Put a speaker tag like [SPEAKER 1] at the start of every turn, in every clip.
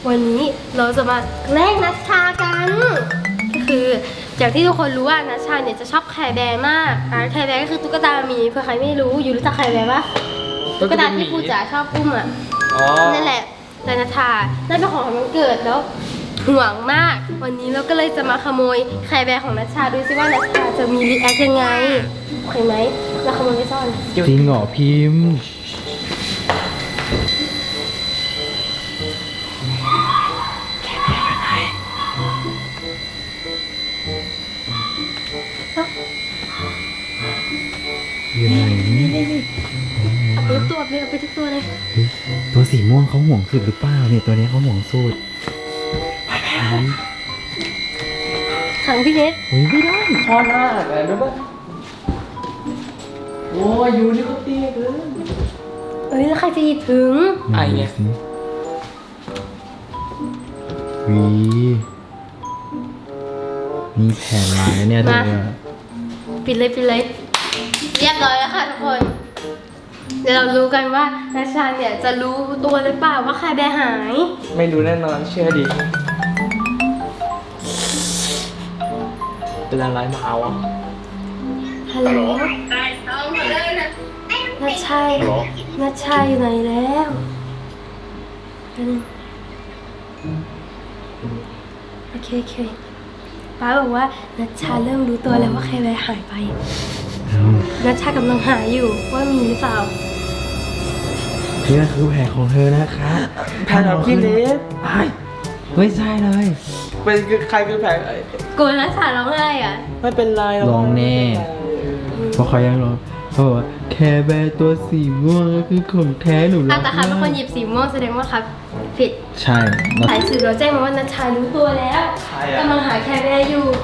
[SPEAKER 1] วันนี้เราจะมาแกล้งนัชชากันก็คืออย่างที่ทุกคนรู้ว่านัชชาเนี่ยจะชอบแคร์แบร์มากแคร์แบร์ก็คือตุ๊กตาหมีเผื่อใครไม่รู้อยู่รู้จักแคร์แบร์ปะตุ๊กตาที่ปูจ๋าชอบอุ้มอ่ะนั่นแหละแต่นัชชาได้เป็นของวันเกิดแล้วห่วงมากวันนี้เราก็เลยจะมาขโมยแคร์แบร์ของนัชชาดูซิว่านัชชาจะมีรีแอคยังไงโอเคไหมเราขโมยไปซ่อน
[SPEAKER 2] จริงเหรอพิมพ์อยู่ไหน
[SPEAKER 1] เอาไปทุกตัวเลยเอาไปทุกตัวเลย
[SPEAKER 2] ตัวสีม่วงเขาห่วงสุดหรือเปล่าเนี่ยตัวนี้เขาห่วงสุดไป
[SPEAKER 1] ขังพี่เนท
[SPEAKER 2] ไม่ได้พ่อหน้าอะไรรู้ป่ะโอ้ยอยู่นี่ก็เตี้ยเกิน
[SPEAKER 1] แล้วใครจะหยิบถึง
[SPEAKER 2] ไอ้เนี่ยวีนี่แผนร้ายเนี่ยเธอ
[SPEAKER 1] ปิดเลยเรียบร้อยแล้วค่ะทุกคนเดี๋ยวเรารู้กันว่านัชชาเนี่ยจะรู้ตัวหรือเปล่าว่าใครแบร์หาย
[SPEAKER 2] ไม่รู้แน่นอนเชื่อดิเป็นอะไรมาเอาอ่ะ
[SPEAKER 1] ฮัลโหลนัชชาอยู่ไหนแล้วโอเคป้าบอกว่านัชชาเริ่มรู้ตัวแล้วว่าใครแบร์หายไปนัชชากำลังหาอยู่ว่ามีหรือเปล่า
[SPEAKER 2] นี่คือแผนของเธอนะคะแผนของพี่เนทไม่ใช่เลยเป็นใครคือแผน
[SPEAKER 1] กลัวนัชชาร้องไห้อ่ะ
[SPEAKER 2] ไม่เป็นไรร้องแน่เพราะเขายังร้องเพราะว่าแคร์แบร์ตัวสีม่วงก็คือของแท้หนู
[SPEAKER 1] แต่ครับเป็นคนหยิบสีม่วงแสดงว่าครับผิด
[SPEAKER 2] ใช่
[SPEAKER 1] สายสื่อเราแจ้งมาว่านัชชารู้ตัวแล้วกำลังหาแคร์แบร์อยู่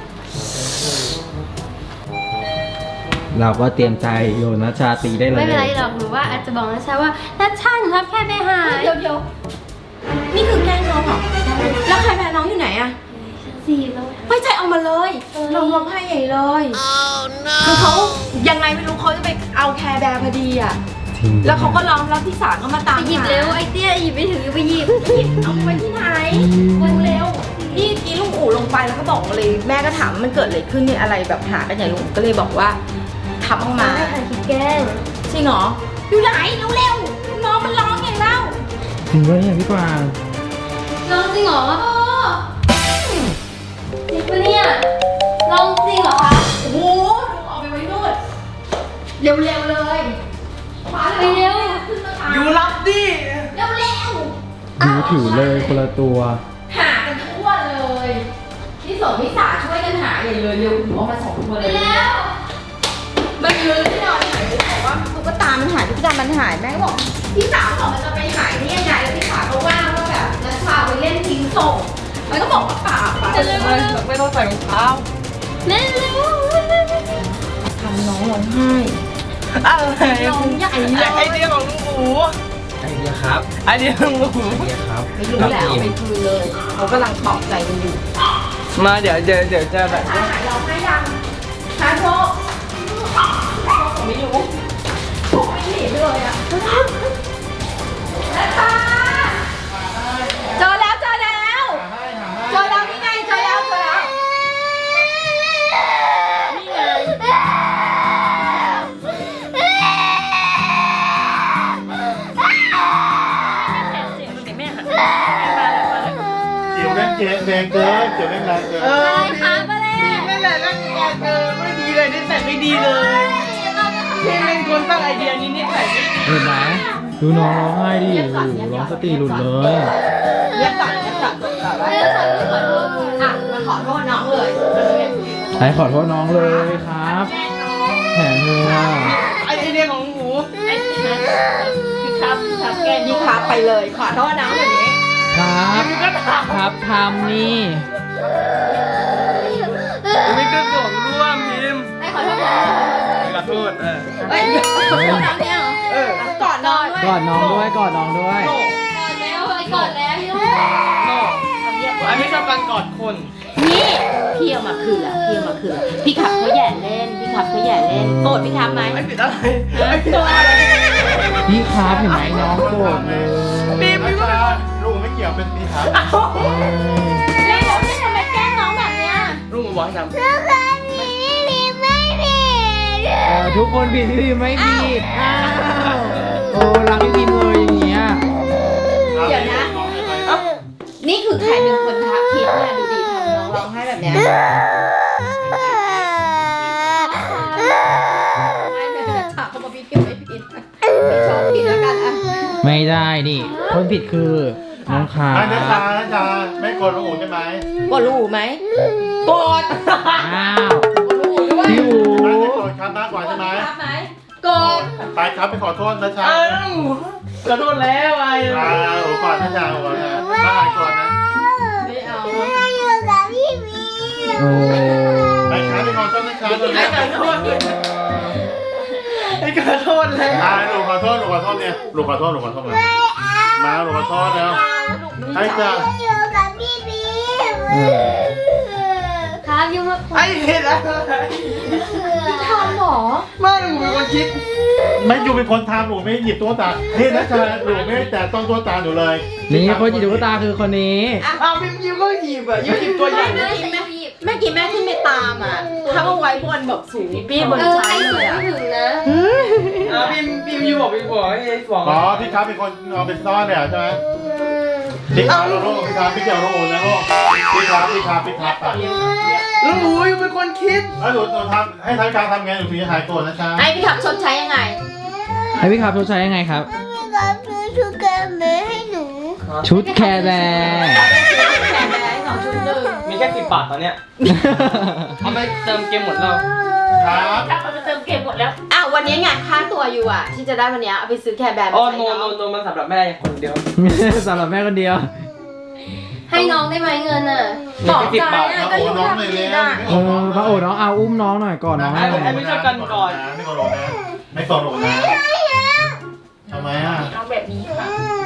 [SPEAKER 2] เราก็เตรียมใจโยนนัชชาตีได้เลย
[SPEAKER 1] ไม่เป็นไรหรอกหนูว่าอาจจะบอกนัชชาว่านัชชาหนูรับแคร์แบร์หาย
[SPEAKER 3] เดี๋ยวนี่คือแกล้งน้องเหรอแล้วใครแบร์น้องอยู่ไหนอะ
[SPEAKER 1] สีเรา
[SPEAKER 3] ไม่ใช่เอามาเลยเราร้องไห้ใหญ่เลยคือเขายังไงไม่รู้เขาจะไปเอาแคร์แบร์พอดีอะแล้วเขาก็ร้องแล้วพี่สาวก็มาตาม
[SPEAKER 1] หยิบเร็วไอเตี้ยหยิบไม่ถึงไปหยิบ
[SPEAKER 3] เอาไปที่ไหนเร็วนี่กี้ลุงอู๋ลงไปแล้วก็บอกเลยแม่ก็ถามมันเกิดอะไรขึ้นเนี่ยอะไรแบบหากันอย่างลุงก็เลยบอกว่าทำออกมา
[SPEAKER 1] ให้คิดแกล้ง
[SPEAKER 3] จริงเหรออยู่ไหนเร็วน้องมันร้องไงเล่า
[SPEAKER 2] จริงด้วยพี่กวาง
[SPEAKER 1] ร้องจริงเหรอจริงปะเนี่ยร้องจริงเหรอคะ
[SPEAKER 3] โอ้โหลุงออกไปไว้นู่นเร็วเลย
[SPEAKER 1] ไปเร็ว
[SPEAKER 2] อยู่รับดิ
[SPEAKER 3] เร็ว
[SPEAKER 2] ดูถือเลยคนละตัว
[SPEAKER 3] หากันทั่วเลยพี่สองพี่สาช่วยกันหาใหญ่เลยเร็วหนูเอามา2 ตัวเลย
[SPEAKER 1] แล้ว
[SPEAKER 3] มันยืนที่นอนหายบอกว่าตุ๊กตามันหายตุ๊กตามันหายแม่ก็บอกพี่สาวบอกมันจะไปหายนี่ยังไงแล้วพี่สาวก็ว่าแบบนัชชาไปเล่นทิ้งส่งมันก็บอกว่าป่า
[SPEAKER 2] ไม่ต้องใส่รองเท้า
[SPEAKER 1] เร็ว
[SPEAKER 3] ทำน้องร้องไห้
[SPEAKER 2] อะไร
[SPEAKER 3] น้องใหญ่
[SPEAKER 2] ไอเดียของลุงอู๋ไอเดียครับไอเดียของลุงอู๋ไอเดียครับ
[SPEAKER 3] ไม่รู้แหละเอาไปคืนเลยเขากำลังปลอบใจกันอยู่
[SPEAKER 2] มาเดี๋ยวจะแบบ
[SPEAKER 3] หายร้องไห้ยังหายโชคไม่รู้โชคไม่หนีไปเลยอ่ะเจอแล้วนี่ไงเจอแล้วนี่ไง
[SPEAKER 4] เสียวแรงเกินเสียวแรงเกิน
[SPEAKER 1] อะไรคะมาเลย
[SPEAKER 2] ไม่แหละนั่งแกไม่ดีเลยนิสัยไม่ดีเลยพี่เป็นคนตั้งไอเดียนี้นิสัยไม่ดีเห็นไหมดูน้องร้องไห้ดิร้องสติหลุดเลย
[SPEAKER 3] เรียกก่อนมาขอโทษน้องเลย
[SPEAKER 2] ใครขอโทษน้องเลยครับแผนเธอไอเดียของหนู
[SPEAKER 3] คือครับแกนี่ครับไปเลยขอโทษน้องแบบนี้
[SPEAKER 2] ครับทำนี่ไม่ก็ส่งร่วมพิมพ์
[SPEAKER 1] ให้ขอโทษน้อง
[SPEAKER 2] ขอโทษ
[SPEAKER 3] ขอโทษน้องเนี่ยกอดน้องด้วย
[SPEAKER 2] กอดน้องด้วย
[SPEAKER 1] กอดแล้ว
[SPEAKER 2] อันนี้ชอบการกอดคน
[SPEAKER 3] นี่พี่เอามาคืนพี่ขับเขาแย่เล่นโกรธพี่ขับไหม
[SPEAKER 2] ไม่ผิดอะไร
[SPEAKER 3] โกรธอะไร
[SPEAKER 2] พี่ครับเห็นไหมน้องโกรธเลย
[SPEAKER 4] ลุงไม่เเกี่ยวเป็นสีขาว
[SPEAKER 3] เล่นแล้วพี่ทำไมแกล้งน้องแบบเนี้ย
[SPEAKER 2] ลูกบอกให้ทำ
[SPEAKER 5] ทุกคนผิดพี่พิมไม่ผิดอ้าวโอ้รักพี่พิมเลยอย่างเงี้ย
[SPEAKER 3] เดี๋ยวนะ เอ้านี่คือใครเป็นคนทักคิดเนี่ยดูดิทำน้องร้องไห้แบบเนี้ยไม่เลยถามเขาบอกพี่ไม่ผิดพี่ชอบผิดแล้วกันอ่ะ
[SPEAKER 5] ไม่ได้นี่คนผิดคือน้องคา
[SPEAKER 4] นัชชาไม่กดลูกอู๋ใช่ไหม
[SPEAKER 3] กดลูกไหมกด
[SPEAKER 5] อ้าว
[SPEAKER 3] กดลูกด้วย
[SPEAKER 5] พี่อู
[SPEAKER 4] ไม่ได้กดครับมากกว่าใช่ไหม
[SPEAKER 3] รับไหมกด
[SPEAKER 4] ไปครับไปขอโทษนัชชา
[SPEAKER 2] อ้าวขอโทษแล้วไอ้
[SPEAKER 4] อู๋ก่อนนัชชาอู๋ก่อนนะมาก่อนนะ
[SPEAKER 3] ไม่เอา
[SPEAKER 5] โอ้
[SPEAKER 4] ไปครับไปขอโทษนัชชาเลย
[SPEAKER 2] ไอ้ขอโทษไอ้ขอโทษแล้ว
[SPEAKER 4] ลูกขอโทษเนี่ยลูกขอโทษเลยมาลูกขอโทษแล้วให้จ้า
[SPEAKER 5] เออ
[SPEAKER 1] ครับยุ่งมาก
[SPEAKER 2] ไอ้เห็นอะไร
[SPEAKER 3] ทำหรอ
[SPEAKER 2] ไม่หนูเป็นคนคิด
[SPEAKER 4] ไม่อยู่เป็นคนทำหนูไม่หยิบตัวตาเฮ้ยนัชชาหนูไม่แต่ต้องตัวตาหนูเลย
[SPEAKER 5] นี่คนจิตวิทยาคือคนนี้
[SPEAKER 2] อ้าวพี่ยิ้มก็หยิบอ่ะยิ้มหยิบตัวใหญ่
[SPEAKER 3] เมื่อกี้แม่ขึ้นไปตามอ่ะถ้าเอาไว้บนแบบสูงพี่บน
[SPEAKER 1] ใคร
[SPEAKER 3] ชั้น
[SPEAKER 1] สู
[SPEAKER 3] เล
[SPEAKER 1] ง
[SPEAKER 3] ยอ่ะ
[SPEAKER 1] ไม่ถึงนะ
[SPEAKER 2] อ้าวพี่ยิ้มบอกพี่บอกให้บอก
[SPEAKER 4] อ๋อพี่ครับเป็นคนเอาไปซ่อนเนี่ยใช่ไหมพี่ครับลูกพี่ครับพี่เกี่ยวลูกอู๋นะลูกพี่ครับอ่ะ
[SPEAKER 2] แล้วหนูเป็นคนคิด
[SPEAKER 4] แล้วหนูทำให้ทางการทำไงหนูถึงจะหายโกรธนะจ๊ะ
[SPEAKER 3] ให้พี่ขับชดใช้ยังไง
[SPEAKER 5] ให้พี่ครับชดใช้ยังไงครับ ชุดแคร์แบร์
[SPEAKER 3] แชร์ไปได้2.1
[SPEAKER 2] มีแค่10 บาทตอนเนี้ยเอาไปเติมเกมหมดแล้ว
[SPEAKER 4] ครับ
[SPEAKER 3] อ้าววันนี้งานค่าตัวอยู่อ่ะ ที่จะได้วันนี้เอาไปซื้อแคร์แบร์
[SPEAKER 2] อ๋อ
[SPEAKER 3] มาใช้
[SPEAKER 2] โน
[SPEAKER 3] น้อง
[SPEAKER 2] มันสำหรับแม่คนเดียว
[SPEAKER 5] สำหรับแม่คนเดียว
[SPEAKER 1] ให้น้องได้ไหมเงินอ่ะ
[SPEAKER 3] บอก
[SPEAKER 2] มี
[SPEAKER 3] ใจ
[SPEAKER 2] แค่10 บาท
[SPEAKER 3] อ่ะก็อยู่
[SPEAKER 4] น้อง
[SPEAKER 3] ทำ
[SPEAKER 4] เลย
[SPEAKER 3] ดี
[SPEAKER 4] เลย
[SPEAKER 3] อ่ะ
[SPEAKER 5] เออพระโอน้องเอาอุ้มน้องหน่อยก่อนน้องให้หน่อย
[SPEAKER 2] ไม่ชอบกันก่อน
[SPEAKER 4] ไม่กดโหลดนะไม่กดโหลดนะทำไมอ่ะ
[SPEAKER 3] เอาแบบนี้ค่ะ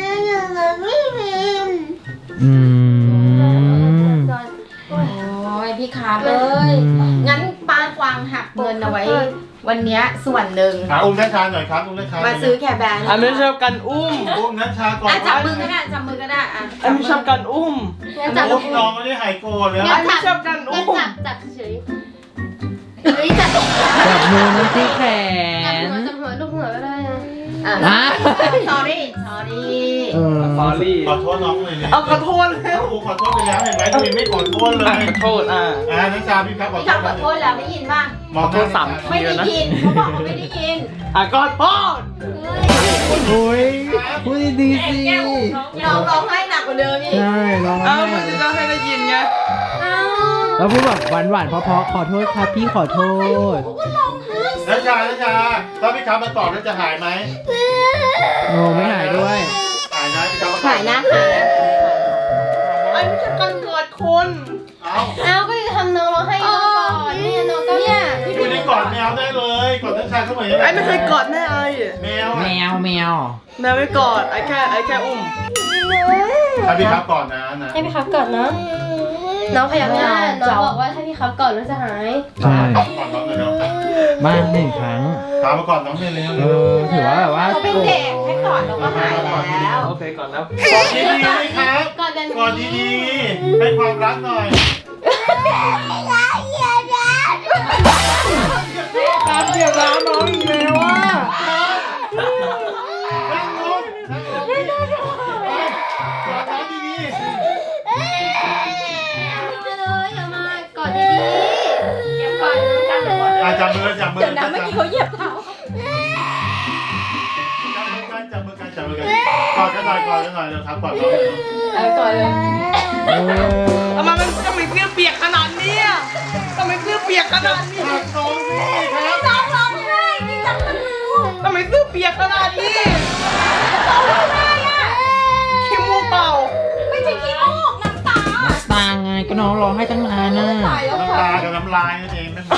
[SPEAKER 5] อืม
[SPEAKER 3] โอ้ยพี่คาร์เอ้ย งั้นป้ากวางหักเงินเอาไว้ วันเนี้ยส่วนหนึ่ง
[SPEAKER 4] อุ้มนัชชาหน่อยครับอุ้มนัชชา
[SPEAKER 3] มาซื้อแคร์แบร์
[SPEAKER 2] อันไม่ชอบกันอุ้ม
[SPEAKER 4] อุ้มนัชชาก่อน
[SPEAKER 3] อ่ะจับมือก็ได้จับมือก็ได้อ่ะ
[SPEAKER 2] อันไม่ชอบกันอุ้ม
[SPEAKER 1] งั้นจับ
[SPEAKER 4] อุ้มน้องไม่ได้หายโกรธเลย
[SPEAKER 2] อันไม่ชอบกันอุ้
[SPEAKER 1] งั้น
[SPEAKER 2] ม
[SPEAKER 1] จับเฉยเฮ้ยจับ
[SPEAKER 5] จับมือน้องที่แขน
[SPEAKER 1] จับหัวลูกหัวก็ได้นะ
[SPEAKER 3] อ่ะ
[SPEAKER 5] อ่ะ
[SPEAKER 3] sorry
[SPEAKER 5] เออ
[SPEAKER 2] สอรี่
[SPEAKER 4] ขอโทษน้องเลยเนี่ย
[SPEAKER 2] เอาขอโทษแล้ว
[SPEAKER 4] อูขอโทษไปแล้วเห็นไหมทำไมไม่ขอโทษเลย
[SPEAKER 2] ขอโทษ
[SPEAKER 4] นัชชาพี่ครับขอ
[SPEAKER 3] พี่
[SPEAKER 4] โท
[SPEAKER 3] ขับ
[SPEAKER 4] ษ
[SPEAKER 3] ขอโทษแล้วได้ยินป่ะ
[SPEAKER 4] มองหน้
[SPEAKER 3] ไม่ได้ยินเขาบอกเขาไม่ได้ยิน
[SPEAKER 2] ขอโทษ
[SPEAKER 5] โอ้ยพูดดีๆสิ
[SPEAKER 3] น้องร้องไห้หนักกว่าเดิมอีก
[SPEAKER 5] ใช่ร้อง
[SPEAKER 2] เอ้า
[SPEAKER 5] ไห้
[SPEAKER 2] มันจะให้ได้ยินไง
[SPEAKER 5] แล้วพูดแบบหวานๆเพราะๆขอโทษครับพี่ขอโทษ
[SPEAKER 4] นัชชาถ้าพี่ครับมาตอบแล้วจะหายไหม
[SPEAKER 5] โอ้ไม่หายด้วย
[SPEAKER 4] หายนะพี่ครับ
[SPEAKER 3] หายนะหายนะ
[SPEAKER 2] อันไม่ชอบกันเกิดคน
[SPEAKER 4] เอา
[SPEAKER 1] เอาก็จะทำน้องร้องให้น้องก่อนเนี่ยน้องก็
[SPEAKER 3] เนี่ย
[SPEAKER 4] อยู่ในกอดแมวได้เลยกอดนัชชาเขาเหมือน
[SPEAKER 2] ไอ้ไม่เคยกอดแม่ไอ้
[SPEAKER 4] แมว
[SPEAKER 5] แมว
[SPEAKER 2] แม่ไม่กอดไอ้แค่อุ้ม
[SPEAKER 4] ถ้าพี่ครับก่อนนะนะ
[SPEAKER 1] ให้พี่ครับก่อนเนาะน้องพยักหน้าน้องบอกว่าถ้าพี่ครับก่อนแล้วจะหาย
[SPEAKER 5] ใช่
[SPEAKER 4] ก่อนน้องเลยเนาะ
[SPEAKER 5] บ้านหนึ่งครั้ง
[SPEAKER 4] ถามมาก่อนน้องเลยเร็ว
[SPEAKER 5] เออถือว่าแบบว่า
[SPEAKER 3] เขาเป็นเด็กให้ก่อนเราก็หายแล้ว
[SPEAKER 2] โอเคก่อนแล้ว
[SPEAKER 4] กอดดีๆไหมครับ
[SPEAKER 1] ก่อนเดิน
[SPEAKER 4] กอดดีๆให้ความรักหน่อยการเกี่ยวน้ำน้องอีกแล้วอ่ะนั่งลงไม่ได้กอดน้องดี
[SPEAKER 1] เลยอย่ามากอดดีๆอย่ากอดจับมือ
[SPEAKER 4] ๆจับมือ
[SPEAKER 3] เดี๋ยวนะเมื่อกี้เขาเหยียบเท้า
[SPEAKER 4] จับมือกันกอดกันหน่อยเร็วครับกอดน้อง
[SPEAKER 3] ก่อนเลย
[SPEAKER 5] เออ
[SPEAKER 2] ทำไมมันต้องมีเสื้อเปียกขนาดนี้ทำไมเสื้อเปียกขนาดนี้
[SPEAKER 4] หักน้องสิครับ
[SPEAKER 3] น้องร้องไห้ที่จับมือ
[SPEAKER 2] ทำไมเสื้อเปียกขนาดนี้
[SPEAKER 3] ร้องไห้อ่ะ
[SPEAKER 2] ขี้มูกเปล่า
[SPEAKER 3] ไม่ใช่ขี้มูกน้ำตา
[SPEAKER 5] ตาไงก็น้องร้องให้ตั้งนานน่ะ
[SPEAKER 3] ตายแล้ว
[SPEAKER 4] น้ำ
[SPEAKER 3] ค่ะ
[SPEAKER 4] ตากับน้ำลายนั่นเองนั่น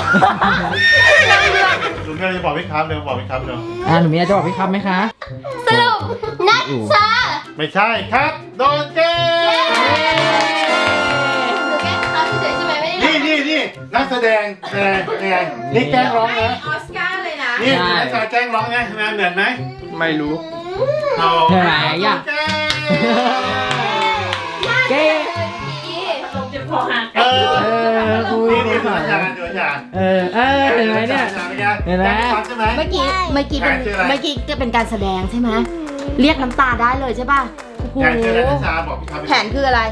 [SPEAKER 4] ลุงก็เลยบอกพี่ครับเร็วบอกพี่ครับเร็ว
[SPEAKER 5] หนูมีอะไรจะบอกพี่ครับไหมคะ
[SPEAKER 1] สรุปนัชชา
[SPEAKER 4] ไม่ใช่ครับโดนแกล้ง
[SPEAKER 1] หนูแค่เขาเฉยๆใช่ไหมไม่ได้
[SPEAKER 4] นี่นักแสดงนี่แกล้งร้องนะ
[SPEAKER 3] ออสการ์เลยนะ
[SPEAKER 4] นี่นักแสดงแกล้งร้องนะเหมือนไหม
[SPEAKER 2] ไม่รู้
[SPEAKER 4] เอา
[SPEAKER 5] เหนื่อยอ่ะ
[SPEAKER 4] แกล้ง
[SPEAKER 5] เก้
[SPEAKER 4] เออ
[SPEAKER 5] ครู
[SPEAKER 4] นี่นี่
[SPEAKER 5] ส
[SPEAKER 4] ดู
[SPEAKER 5] อน
[SPEAKER 4] อาจารย์ดูอาจารย์
[SPEAKER 5] เห็นไหมเนี่ย เห็นไหม
[SPEAKER 4] ใช่ไหม
[SPEAKER 3] เมื่อกี้เป็น
[SPEAKER 4] แผนชื่ออะไร
[SPEAKER 3] เมื่อกี้จะเป็นการแสดงใช่ไหมเรียกน้ำตาได้เลยใช่ป่ะโอ้โห
[SPEAKER 4] แผนชื่ออะไรนัชชาบอกพี่ครับ
[SPEAKER 3] แผนคืออะไร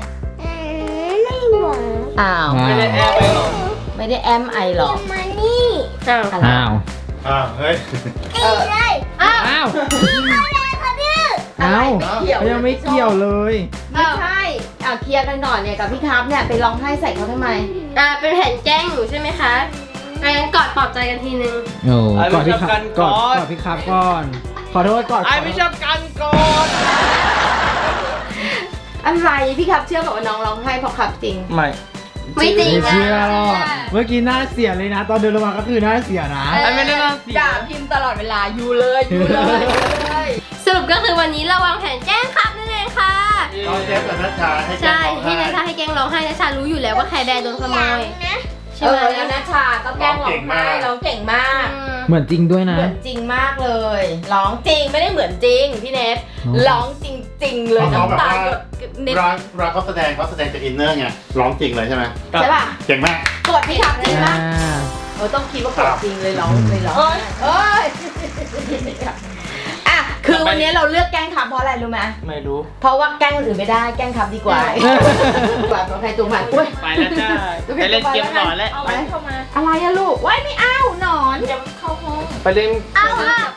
[SPEAKER 3] อ้าว
[SPEAKER 2] ไม่ได้แอบไปหรอก
[SPEAKER 3] ไม่ได้แอมไอหรอก
[SPEAKER 1] อ้าว
[SPEAKER 3] อะไร
[SPEAKER 5] อ้าว
[SPEAKER 4] เฮ้ย
[SPEAKER 3] เออ
[SPEAKER 1] อ้าว
[SPEAKER 5] อ้าว
[SPEAKER 3] อะไร
[SPEAKER 5] อ้าว
[SPEAKER 3] เกี่ยว
[SPEAKER 5] ยังไม่เกี่ยวเลย
[SPEAKER 3] ไม่ใช่เคลียร์กันก่อนเนี่ยกับพี่ครับเนี่ยไปร้องไห้ใส่เขาทำไม
[SPEAKER 1] เป็นแผนแกล้งหนูใช่ไหมคะงั้นกอดปลอบใจกันทีนึง
[SPEAKER 5] โอ้
[SPEAKER 2] ไอ้
[SPEAKER 5] กอด
[SPEAKER 2] ไม่
[SPEAKER 5] พี่
[SPEAKER 2] ชอบ
[SPEAKER 5] ครั
[SPEAKER 2] กับ น
[SPEAKER 5] ก
[SPEAKER 2] ก่
[SPEAKER 5] อ
[SPEAKER 2] อน
[SPEAKER 5] ดพี่ครับก่อน ขอโทษก่อน
[SPEAKER 2] ไอ้ไม่ชอบกันก่อน
[SPEAKER 3] อะไรพี่ครับเชื่อบอกว่าน้องร้องไห้เพราะครับจริง
[SPEAKER 2] ไม่
[SPEAKER 1] ไม่จริง
[SPEAKER 5] ไม่
[SPEAKER 1] นะ
[SPEAKER 5] เชื่อหรอกเมื่อกี้หน้าเสียเลยนะ ตอนเดินลงมาก็คือหน้าเสียนะ
[SPEAKER 2] ไอ้ไม่ได้น่าเสีย
[SPEAKER 3] ด่าพิมพ์ตลอดเวลาอยู่เลยอยู่เลยเลย
[SPEAKER 1] สรุปก็คือวันนี้เราวางแผนแกล้งครับนั่นเองค่ะ
[SPEAKER 4] ตอนเชฟกับนัชชาให้แก
[SPEAKER 1] ใช่
[SPEAKER 4] ล้ง
[SPEAKER 1] ให้นัชชาให้แกล้งร้องไห้นัชชารู้อยู่แล้วว่าแคร์แบร์โดนขโมยใช่ไหม
[SPEAKER 3] แล้วนะชาก็แกล้งร้องไห้ร้องเก่งมาก
[SPEAKER 5] เหมือนจริงด้วยนะ
[SPEAKER 3] เหมือนจริงมากเลย ร้องจริงไม่ได้เหมือนจริงพี่เนท
[SPEAKER 5] อ๋อ
[SPEAKER 3] ร้องจริง ๆ เลย
[SPEAKER 4] เขาแบบ
[SPEAKER 3] น้ำตา
[SPEAKER 4] ว่า
[SPEAKER 3] หยดเน็ต
[SPEAKER 4] ร้านเขาแสดงจากอินเนอร์ไงร้องจริงเลยใช่ไหม
[SPEAKER 3] ใช่ป่ะ
[SPEAKER 4] เก่งมาก
[SPEAKER 3] กดพี่ครับจริง
[SPEAKER 5] อ่า
[SPEAKER 3] ปะต้องคิดว่ากดจริงเลยร้องเลยร้องเอ้ยอ่ะคือวันนี้เราเลือกแกล้งครับเพราะอะไรรู้ไหม
[SPEAKER 2] ไม่รู้
[SPEAKER 3] เพราะว่าแกล้งคนอื่นไม่ได้แกล้งครับดีกว่าตัวใครตัวมันอุ้ย
[SPEAKER 2] ไปแล้วจ้าไปเล่นเกมต่อแล้ว
[SPEAKER 3] เอาไว้เข้ามาอะไรอะลูกว้ายไม่เอาหนอนเดี๋ยวเข้าห้อง
[SPEAKER 2] ไปเล่น
[SPEAKER 1] เอาค่ะ